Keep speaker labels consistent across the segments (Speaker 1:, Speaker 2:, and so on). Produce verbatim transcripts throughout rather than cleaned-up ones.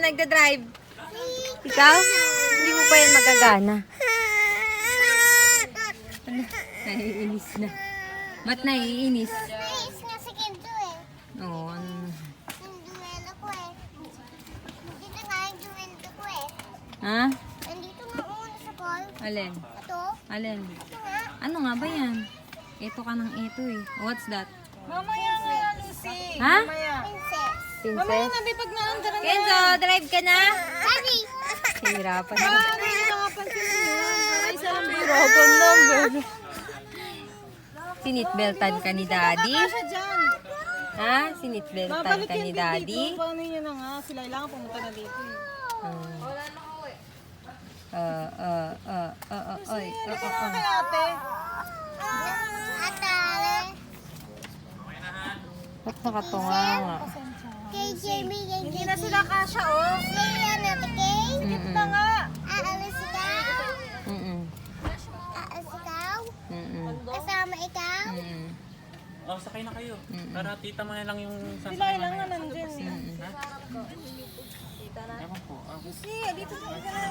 Speaker 1: nagda-drive? Ikaw? Hindi mo pa yan magagana. Ano? Naiinis na. Ba't naiinis?
Speaker 2: Nais nga si Kendo eh.
Speaker 1: Oo. ano?
Speaker 2: Yung duwelo ko eh. Dito nga yung duwelo ko eh.
Speaker 1: Ha?
Speaker 2: Nandito nga muna sa call.
Speaker 1: Alin?
Speaker 2: Ito.
Speaker 1: Alin?
Speaker 2: Ito nga.
Speaker 1: Ano nga ba yan? Ito ka ng ito eh. What's that?
Speaker 3: Mamaya nga yan, Lucy.
Speaker 1: Ha?
Speaker 3: Mamaya.
Speaker 2: Princess.
Speaker 3: Mamaya
Speaker 1: Princess?
Speaker 3: na, di pag naandar na.
Speaker 1: Kenzo, drive ka na?
Speaker 2: Daddy!
Speaker 1: Hirapan na.
Speaker 3: Ah, hindi ko nakapansin mo. Ay, isa lang biro.
Speaker 1: Hirapan number. Sinitbeltan ka ni Daddy?
Speaker 3: Siya dyan.
Speaker 1: Ha? Sinitbeltan
Speaker 3: Babalik
Speaker 1: ka
Speaker 3: yan
Speaker 1: ni
Speaker 3: din
Speaker 1: Daddy?
Speaker 3: dito. Paano yun na nga? Sila kailangan pumunta na dito. eh.
Speaker 1: Ah, ah, ah, ah, ah, ay, ah,
Speaker 3: Ano
Speaker 1: ah,
Speaker 3: nga
Speaker 1: ah.
Speaker 3: kay ate?
Speaker 2: Atale.
Speaker 1: Ba't nakatunga nga?
Speaker 2: Kay Jamie, kay
Speaker 3: Hindi
Speaker 2: Jamie.
Speaker 3: na sila kasha, oh.
Speaker 2: Kay ano, kay?
Speaker 1: Mm-mm.
Speaker 3: Na nga.
Speaker 2: Aalis ikaw?
Speaker 1: Mm-mm.
Speaker 2: Aalis ikaw?
Speaker 1: Mm-mm.
Speaker 2: Kasama ikaw?
Speaker 1: Mm-mm.
Speaker 4: Oh, sakay na kayo. Para tita mo na lang yung
Speaker 3: Sila
Speaker 4: sasakay
Speaker 3: kailangan
Speaker 4: mamaya.
Speaker 3: nandyan. eh.
Speaker 4: Ewan po. Ah,
Speaker 3: Lucy, dito sa mga.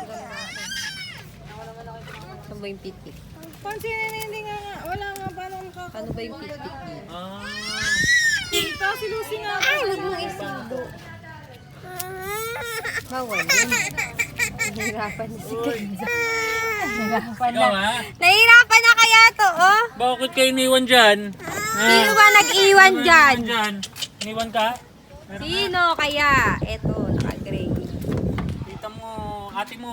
Speaker 1: Ano ba yung pitik?
Speaker 3: Pansin, hindi nga nga. Wala nga. Paano makaka...
Speaker 1: Ano ba yung pitik niya?
Speaker 4: Ah.
Speaker 3: Dito, si Lucy nga.
Speaker 1: Ay, huwag mong isido. Bawal yun. Nahirapan na si Kenzo. Nahirapan na.
Speaker 4: Ikaw ha?
Speaker 1: Nahirapan na kaya to, oh?
Speaker 4: Bakit kayo iniwan dyan?
Speaker 1: Sino ba nag-iwan dyan?
Speaker 4: Dyan. Iniwan ka?
Speaker 1: Sino kaya? Eto, naka-gray.
Speaker 4: Tita mo, ate mo.